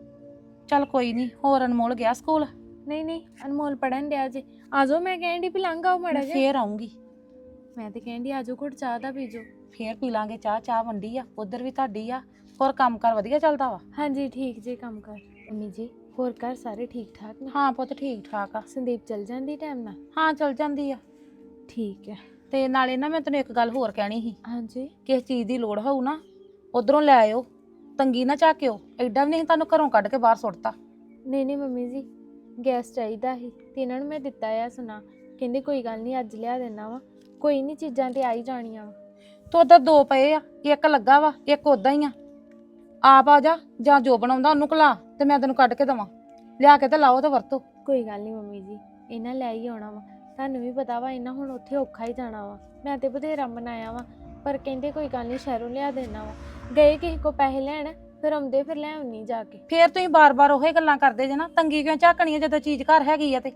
Speaker 1: ਚੱਲ ਕੋਈ ਨਹੀਂ। ਹੋਰ ਅਨਮੋਲ ਗਿਆ ਸਕੂਲ?
Speaker 2: ਨਹੀਂ ਨਹੀਂ, ਅਨਮੋਲ ਪੜਨ ਡਿਆ ਜੇ। ਆ ਜਾਓ, ਮੈਂ ਕਹਿਣ ਡਈ ਵੀ ਲੰਘ ਆਓ ਮੜਾ ਜਿਹਾ।
Speaker 1: ਫੇਰ ਆਉਂਗੀ।
Speaker 2: ਮੈਂ ਤੇ ਕਹਿਣ ਡਈ ਆ ਜਾਓ, ਘੁੱਟ ਚਾਹ ਦਾ ਪੀ ਜਾਓ।
Speaker 1: ਫੇਰ ਪੀ ਲਾਂਗੇ ਚਾਹ। ਚਾਹ ਵੰਡੀ ਆ, ਉਧਰ ਵੀ ਤੁਹਾਡੀ ਆ। ਹੋਰ ਕੰਮ ਕਾਰ ਵਧੀਆ ਚੱਲਦਾ ਵਾ?
Speaker 2: ਹਾਂਜੀ ਠੀਕ ਜੇ ਕੰਮ ਕਰ। ਮੰਮੀ ਜੀ, ਹੋਰ ਘਰ ਸਾਰੇ ਠੀਕ ਠਾਕ ਨੇ?
Speaker 1: ਹਾਂ ਪੁੱਤ ਠੀਕ ਠਾਕ ਆ।
Speaker 2: ਸੰਦੀਪ ਚਲ ਜਾਂਦੀ ਟਾਈਮ ਨਾਲ?
Speaker 1: ਹਾਂ ਚਲ ਜਾਂਦੀ ਆ।
Speaker 2: ਠੀਕ ਹੈ।
Speaker 1: ਤੇ ਨਾਲੇ ਨਾ ਮੈਂ ਤੈਨੂੰ ਇੱਕ ਗੱਲ ਹੋਰ ਕਹਿਣੀ ਸੀ।
Speaker 2: ਹਾਂਜੀ।
Speaker 1: ਕਿਸ ਚੀਜ਼ ਦੀ ਲੋੜ ਹੋਊ ਨਾ, ਉਧਰੋਂ ਲੈ ਆਇਓ, ਤੰਗੀ ਨਾ ਝਾਕਿਓ। ਐਡਾ ਵੀ ਨਹੀਂ ਤੁਹਾਨੂੰ ਘਰੋਂ ਕੱਢ ਕੇ ਬਾਹਰ ਸੁੱਟਤਾ।
Speaker 2: ਨਹੀਂ ਨਹੀਂ ਮੰਮੀ ਜੀ, ਗੈਸ ਚਾਹੀਦਾ ਸੀ ਤੇ ਇਹਨਾਂ ਨੂੰ ਮੈਂ ਦਿੱਤਾ ਆ ਸੁਣਾ, ਕਹਿੰਦੇ ਕੋਈ ਗੱਲ ਨਹੀਂ ਅੱਜ ਲਿਆ ਦੇਣਾ ਵਾ, ਕੋਈ ਨਹੀਂ ਚੀਜ਼ਾਂ ਤੇ ਆ ਹੀ ਜਾਣੀਆਂ ਵਾ।
Speaker 1: ਤੂੰ ਉਧਰ ਦੋ ਪਏ ਆ, ਇੱਕ ਲੱਗਾ ਵਾ, ਇੱਕ ਉਦਾਂ ਹੀ ਆ। ਆਪ ਆ ਜਾ, ਜਾਂ ਜੋ ਬਣਾਉਂਦਾ ਉਹਨੂੰ ਕਲਾ ਤੇ ਮੈਂ ਤੈਨੂੰ ਕੱਢ ਕੇ ਦੇਵਾਂ। ਲਿਆ ਕੇ ਤੇ ਲਾਓ ਤੇ ਵਰਤੋ।
Speaker 2: ਕੋਈ ਗੱਲ ਨਹੀਂ ਮੰਮੀ ਜੀ, ਇਹਨਾਂ ਲੈ ਹੀ ਆਉਣਾ ਵਾ। ਤੁਹਾਨੂੰ ਵੀ ਪਤਾ ਵਾ ਇਹਨਾਂ ਹੁਣ ਉੱਥੇ ਔਖਾ ਹੀ ਜਾਣਾ ਵਾ। ਮੈਂ ਤੇ ਬਥੇਰਾ ਮਨਾਇਆ ਵਾ, ਪਰ ਕਹਿੰਦੇ ਕੋਈ ਗੱਲ ਨਹੀਂ ਸ਼ਹਿਰੋਂ ਲਿਆ ਦੇਣਾ ਵਾ। ਗਏ ਕਿਸੇ ਕੋ ਪੈਸੇ ਲੈਣ, ਫਿਰ ਆਉਂਦੇ ਫਿਰ ਲੈ ਆਉਣੀ ਜਾ ਕੇ।
Speaker 1: ਫੇਰ ਤੁਸੀਂ ਬਾਰ-ਬਾਰ ਉਹੀ ਗੱਲਾਂ ਕਰਦੇ ਜੇ ਨਾ, ਤੰਗੀ ਕਿਉਂ ਝਾਕਣੀ ਆ ਜਦੋਂ ਚੀਜ਼ ਘਰ ਹੈਗੀ ਆ ਤੇ।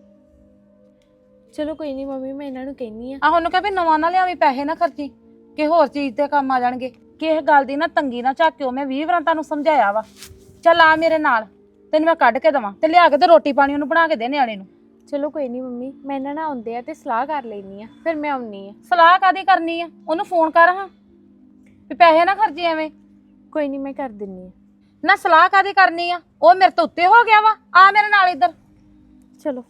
Speaker 2: ਚਲੋ ਕੋਈ ਨਹੀਂ ਮੰਮੀ, ਮੈਂ ਇਹਨਾਂ ਨੂੰ ਕਹਿੰਨੀ ਆ।
Speaker 1: ਆਹ ਉਹਨੂੰ ਕਹੇ ਵੀ ਨਵਾਂ ਨਾ ਲਿਆਵੀਂ, ਪੈਸੇ ਨਾ ਖਰਚੀ, ਕਿ ਹੋਰ ਚੀਜ਼ ਤੇ ਕੰਮ ਆ ਜਾਣਗੇ। ਕਿਸੇ ਗੱਲ ਦੀ ਨਾ ਤੰਗੀ ਨਾ ਝਾਕਿਓ। ਮੈਂ ਵੀਹ ਵਾਰਾਂ ਤੁਹਾਨੂੰ ਸਮਝਾਇਆ ਵਾ। ਚੱਲ ਆ ਮੇਰੇ ਨਾਲ, ਤੈਨੂੰ ਮੈਂ ਕੱਢ ਕੇ ਦੇਵਾਂ ਤੇ ਲਿਆ ਕੇ ਤੇ ਰੋਟੀ ਪਾਣੀ ਉਹਨੂੰ ਬਣਾ ਕੇ ਦੇ ਨਿਆਣੇ ਨੂੰ।
Speaker 2: ਚਲੋ ਕੋਈ ਨਹੀਂ ਮੰਮੀ, ਮੈਂ ਇਹਨਾਂ ਨਾਲ ਆਉਂਦੇ ਆ ਤੇ ਸਲਾਹ ਕਰ ਲੈਣੀ ਆ, ਫਿਰ ਮੈਂ ਆਉਣੀ ਆ।
Speaker 1: ਸਲਾਹ ਕਾਦੀ ਕਰਨੀ ਆ? ਉਹਨੂੰ ਫੋਨ ਕਰ ਹਾਂ ਵੀ ਪੈਸੇ ਨਾ ਖਰਚੀ ਐਵੇਂ।
Speaker 2: ਕੋਈ ਨਹੀਂ, ਮੈਂ ਕਰ ਦਿੰਨੀ ਆ।
Speaker 1: ਨਾ ਸਲਾਹ ਕਾਦੀ ਕਰਨੀ ਆ? ਉਹ ਮੇਰੇ ਤੋਂ ਉੱਤੇ ਹੋ ਗਿਆ ਵਾ। ਆ ਮੇਰੇ ਨਾਲ ਇੱਧਰ।
Speaker 2: ਚਲੋ।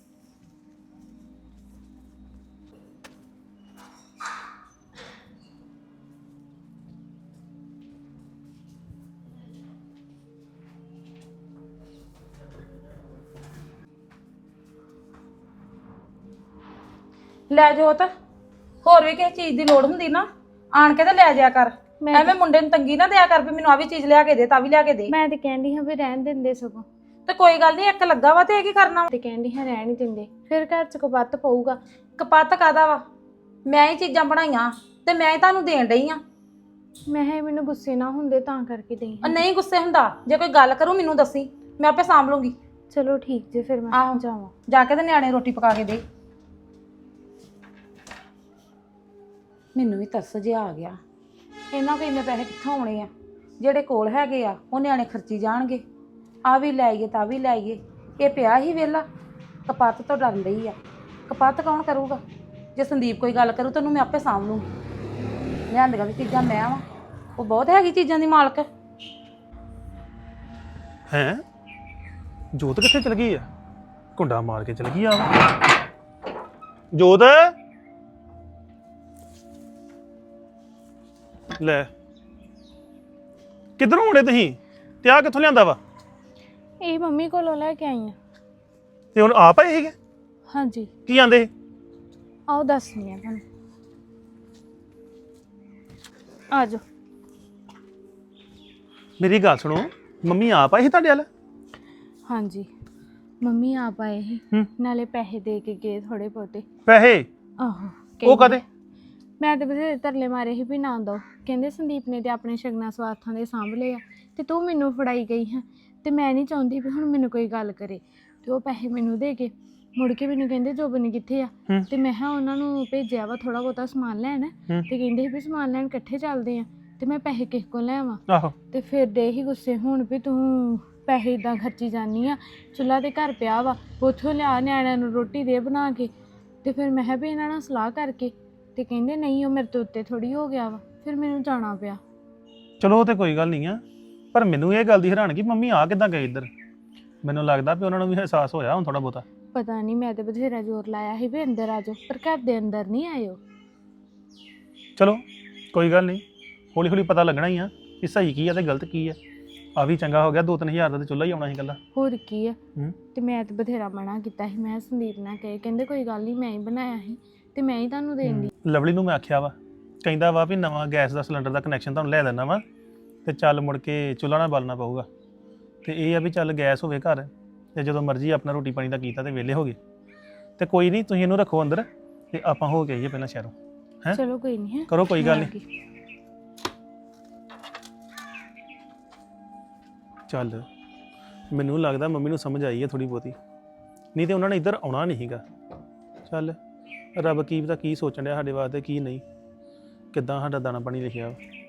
Speaker 1: ਲੈ ਜੋਤ, ਹੋਰ ਵੀ ਕਿਸੇ ਚੀਜ਼ ਦੀ ਲੋੜ ਹੁੰਦੀ ਨਾ, ਆਣ ਕੇ ਤੇ ਲੈ ਜਾਇਆ ਕਰ। ਐਵੇਂ ਮੁੰਡੇ ਨੂੰ ਤੰਗੀ ਨਾ ਦਿਆ ਕਰ ਵੀ ਮੈਨੂੰ ਆ ਵੀ ਚੀਜ਼ ਲਿਆ ਕੇ ਦੇ, ਤਾਂ ਵੀ ਲਿਆ ਕੇ ਦੇ।
Speaker 2: ਮੈਂ ਤੇ ਕਹਿੰਦੀ ਹਾਂ ਵੀ ਰਹਿਣ ਦਿੰਦੇ ਸਗੋਂ।
Speaker 1: ਤੇ ਕੋਈ ਗੱਲ ਨਹੀਂ, ਇੱਕ ਲੱਗਾ ਵਾ ਤੇ ਇਹ ਕੀ ਕਰਨਾ ਵਾ?
Speaker 2: ਤੇ ਕਹਿੰਦੀ ਹਾਂ ਰਹਿਣ ਹੀ ਦਿੰਦੇ, ਫਿਰ ਘਰ ਚ ਕਪੱਤ ਪਊਗਾ।
Speaker 1: ਕਪੱਤ ਕਾਦਾ ਵਾ? ਮੈਂ ਹੀ ਚੀਜ਼ਾਂ ਬਣਾਈਆਂ ਤੇ ਮੈਂ ਹੀ ਤੁਹਾਨੂੰ ਦੇਣ ਡਈ ਆ।
Speaker 2: ਮੈਂ ਹੈ ਮੈਨੂੰ ਗੁੱਸੇ ਨਾ ਹੁੰਦੇ ਤਾਂ ਕਰਕੇ ਦੇਈ।
Speaker 1: ਨਹੀਂ ਗੁੱਸੇ ਹੁੰਦਾ, ਜੇ ਕੋਈ ਗੱਲ ਕਰੂ ਮੈਨੂੰ ਦੱਸੀ, ਮੈਂ ਆਪੇ ਸਾਂਭ ਲੂੰਗੀ।
Speaker 2: ਚਲੋ ਠੀਕ ਜੇ ਫਿਰ ਮੈਂ
Speaker 1: ਆਹੋ।
Speaker 2: ਜਾਵਾਂ।
Speaker 1: ਜਾ ਕੇ ਤੇ ਨਿਆਣੇ ਰੋਟੀ ਪਕਾ ਕੇ ਦੇ। ਮੈਨੂੰ ਵੀ ਤਰਸ ਜਿਹਾ ਆ ਗਿਆ, ਇਹਨਾਂ ਕੋਲ ਇੰਨੇ ਪੈਸੇ ਕਿੱਥੋਂ ਆਉਣੇ ਆ? ਜਿਹੜੇ ਕੋਲ ਹੈਗੇ ਆ ਉਹ ਨਿਆਣੇ ਖਰਚੀ ਜਾਣਗੇ। ਆ ਵੀ ਲੈ ਆਈਏ ਤਾਂ ਵੀ ਲੈ ਆਈਏ। ਇਹ ਪਿਆ ਹੀ ਵਿਹਲਾ, ਕਪੱਤ ਤੋਂ ਡਰਨ ਰਹੀ ਆ। ਕਪੱਤ ਕੌਣ ਕਰੂਗਾ? ਜੇ ਸੰਦੀਪ ਕੋਈ ਗੱਲ ਕਰੂ ਤੈਨੂੰ ਮੈਂ ਆਪੇ ਸਾਂਭ ਲੂੰਗੀ। ਲਿਆਂਦੀਆਂ ਵੀ ਚੀਜ਼ਾਂ ਮੈਂ ਵਾਂ, ਉਹ ਬਹੁਤ ਹੈਗੀ ਚੀਜ਼ਾਂ ਦੀ ਮਾਲਕ।
Speaker 6: ਹੈਂ ਜੋਤ ਕਿੱਥੇ ਚਲ ਗਈ ਆ? ਕੁੰਡਾ ਮਾਰ ਕੇ ਚਲ ਗਈ ਆ ਜੋਤ। ਲੈ ਕਿੱਧਰੋਂ ਆਉਣੇ ਤੁਸੀਂ? ਤੇ ਆ ਕਿੱਥੋਂ ਲਿਆਂਦਾ ਵਾ?
Speaker 2: ਇਹ ਮੰਮੀ ਕੋਲੋਂ ਲੈ ਕੇ ਆਈ ਆ।
Speaker 6: ਤੇ ਹੁਣ ਆਪ ਆਏ ਸੀਗੇ?
Speaker 2: ਹਾਂਜੀ
Speaker 6: ਕੀ ਆਂਦੇ?
Speaker 2: ਆਓ ਦੱਸਣੀ ਆ ਤੁਹਾਨੂੰ। ਆ ਜਾਓ।
Speaker 6: ਮੇਰੀ ਗੱਲ ਸੁਣੋ, ਮੰਮੀ ਆਪ ਆਈ ਸੀ ਤੁਹਾਡੇ ਵੱਲ?
Speaker 2: ਹਾਂਜੀ ਮੰਮੀ ਆਪ ਆਏ ਸੀ,
Speaker 6: ਹੂੰ।
Speaker 2: ਨਾਲੇ ਪੈਸੇ ਦੇ ਕੇ ਗਏ ਥੋੜੇ ਬਹੁਤੇ।
Speaker 6: ਪੈਸੇ?
Speaker 2: ਆਹੋ
Speaker 6: ਉਹ ਕਦੇ?
Speaker 2: ਮੈਂ ਤੇ ਬਥੇਰੇ ਤਰਲੇ ਮਾਰੇ ਸੀ ਵੀ ਨਾ ਦੋ। ਕਹਿੰਦੇ ਸੰਦੀਪ ਨੇ ਤੇ ਆਪਣੇ ਸ਼ਗਨਾਂ ਸਵਾਰਥਾਂ ਦੇ ਸਾਂਭ ਲਏ ਆ ਤੇ ਤੂੰ ਮੈਨੂੰ ਫੜਾਈ ਗਈ ਹੈ ਤੇ ਮੈਂ ਨਹੀਂ ਚਾਹੁੰਦੀ ਵੀ ਹੁਣ ਮੈਨੂੰ ਕੋਈ ਗੱਲ ਕਰੇ। ਤੇ ਉਹ ਪੈਸੇ ਮੈਨੂੰ ਦੇ ਕੇ ਮੁੜ ਕੇ ਮੈਨੂੰ ਕਹਿੰਦੇ ਜੋਬਨ ਕਿੱਥੇ ਆ?
Speaker 6: ਹੂੰ।
Speaker 2: ਤੇ ਮੈਂ ਹਾਂ ਉਹਨਾਂ ਨੂੰ ਭੇਜਿਆ ਵਾ ਥੋੜਾ ਬਹੁਤਾ ਸਮਾਨ ਲੈਣ।
Speaker 6: ਹੂੰ।
Speaker 2: ਤੇ ਕਹਿੰਦੇ ਸੀ ਵੀ ਸਮਾਨ ਲੈਣ ਇਕੱਠੇ ਚੱਲਦੇ ਆ ਤੇ ਮੈਂ ਪੈਸੇ ਕਿਸ ਕੋਲ ਲੈ ਆਵਾਂ।
Speaker 6: ਆਹੋ।
Speaker 2: ਤੇ ਫਿਰ ਦੇ ਹੀ ਗੁੱਸੇ ਹੁਣ ਵੀ ਤੂੰ ਪੈਸੇ ਇਦਾਂ ਖਰਚੀ ਜਾਂਦੀ ਆ। ਚੁੱਲ੍ਹਾ ਤੇ ਘਰ ਪਿਆ ਵਾ, ਉੱਥੋਂ ਲਿਆ ਨਿਆਣਿਆਂ ਨੂੰ ਰੋਟੀ ਦੇ ਬਣਾ ਕੇ। ਤੇ ਫਿਰ ਮੈਂ ਕਿਹਾ ਵੀ ਇਹਨਾਂ ਨਾਲ ਸਲਾਹ ਕਰਕੇ ਤੇ ਕਹਿੰਦੇ ਨਹੀਂ ਉਹ ਮੇਰੇ ਤੋਂ ਉੱਤੇ ਥੋੜੀ ਹੋ ਗਿਆ ਵਾ। ਫਿਰ ਮੈਨੂੰ ਜਾਣਾ ਪਿਆ।
Speaker 6: ਚਲੋ ਉਹ ਤੇ ਕੋਈ ਗੱਲ ਨਹੀਂ ਆ, ਪਰ ਮੈਨੂੰ ਇਹ ਗੱਲ ਦੀ ਹੈਰਾਨਗੀ ਮੰਮੀ ਆ ਕਿੱਦਾਂ ਗਏ ਇੱਧਰ? ਮੈਨੂੰ ਲੱਗਦਾ ਵੀ ਉਹਨਾਂ ਨੂੰ ਵੀ ਅਹਿਸਾਸ ਹੋਇਆ ਹੁਣ ਥੋੜਾ ਬਹੁਤਾ।
Speaker 2: ਪਤਾ ਨਹੀਂ, ਮੈਂ ਤੇ ਬਥੇਰਾ ਜ਼ੋਰ ਲਾਇਆ ਸੀ ਵੀ ਅੰਦਰ ਆ ਜਾਓ, ਪਰ ਘਰ ਦੇ ਅੰਦਰ ਨਹੀਂ ਆਇਓ।
Speaker 6: ਚਲੋ ਕੋਈ ਗੱਲ ਨਹੀਂ, ਹੌਲੀ ਹੌਲੀ ਪਤਾ ਲੱਗਣਾ ਹੀ ਆ ਕਿ ਸਹੀ ਕੀ ਆ ਤੇ ਗਲਤ ਕੀ ਆ। ਆ ਵੀ ਚੰਗਾ ਹੋ ਗਿਆ, ਦੋ ਤਿੰਨ ਹਜ਼ਾਰ ਦਾ ਤੇ ਚੁੱਲ੍ਹਾ ਹੀ ਆਉਣਾ ਸੀ ਇਕੱਲਾ।
Speaker 2: ਹੋਰ ਕੀ ਆ।
Speaker 6: ਹੂੰ।
Speaker 2: ਤੇ ਮੈਂ ਤੇ ਬਥੇਰਾ ਮਨਾ ਕੀਤਾ ਸੀ। ਮੈਂ ਸੰਦੀਪ ਨਾਲ ਕਹੇ, ਕਹਿੰਦੇ ਕੋਈ ਗੱਲ ਨਹੀਂ ਮੈਂ ਹੀ ਬਣਾਇਆ ਸੀ ਤੇ ਮੈਂ ਹੀ ਤੁਹਾਨੂੰ ਦੇਣ ਦੀ।
Speaker 6: ਲਵਲੀ ਨੂੰ ਮੈਂ ਆਖਿਆ ਵਾ, ਕਹਿੰਦਾ ਵਾ ਵੀ ਨਵਾਂ ਗੈਸ ਦਾ ਸਿਲੰਡਰ ਦਾ ਕਨੈਕਸ਼ਨ ਤੁਹਾਨੂੰ ਲੈ ਦੇਣਾ ਵਾ ਤੇ ਚੱਲ ਮੁੜ ਕੇ ਚੁੱਲ੍ਹਾ ਨਾ ਬਾਲਣਾ ਪਊਗਾ। ਤੇ ਇਹ ਆ ਵੀ ਚੱਲ ਗੈਸ ਹੋਵੇ ਘਰ ਤੇ ਜਦੋਂ ਮਰਜ਼ੀ ਆਪਣਾ ਰੋਟੀ ਪਾਣੀ ਦਾ ਕੀਤਾ ਤੇ ਵਿਹਲੇ ਹੋ ਗਏ। ਤੇ ਕੋਈ ਨਹੀਂ, ਤੁਸੀਂ ਇਹਨੂੰ ਰੱਖੋ ਅੰਦਰ ਤੇ ਆਪਾਂ ਹੋ ਕੇ ਆਈਏ ਪਹਿਲਾਂ ਸ਼ਹਿਰੋਂ। ਹੈਂ
Speaker 2: ਚਲੋ ਕੋਈ ਨਹੀਂ ਹੈ,
Speaker 6: ਕਰੋ ਕੋਈ ਗੱਲ
Speaker 2: ਮੈਂ ਆ
Speaker 6: ਨਹੀਂ।
Speaker 2: ਗਈ।
Speaker 6: ਚੱਲ ਮੈਨੂੰ ਲੱਗਦਾ ਮੰਮੀ ਨੂੰ ਸਮਝ ਆਈ ਹੈ ਥੋੜੀ ਬਹੁਤੀ, ਨਹੀਂ ਤੇ ਉਹਨਾਂ ਨੇ ਇੱਧਰ ਆਉਣਾ ਨਹੀਂ ਸੀਗਾ। ਚੱਲ ਰੱਬ ਕੀ ਪਤਾ ਕੀ ਸੋਚਣ ਡਿਆ ਸਾਡੇ ਵਾਸਤੇ ਕੀ ਨਹੀਂ, ਕਿੱਦਾਂ ਸਾਡਾ ਦਾਣਾ ਪਾਣੀ ਲਿਖਿਆ ਵਾ।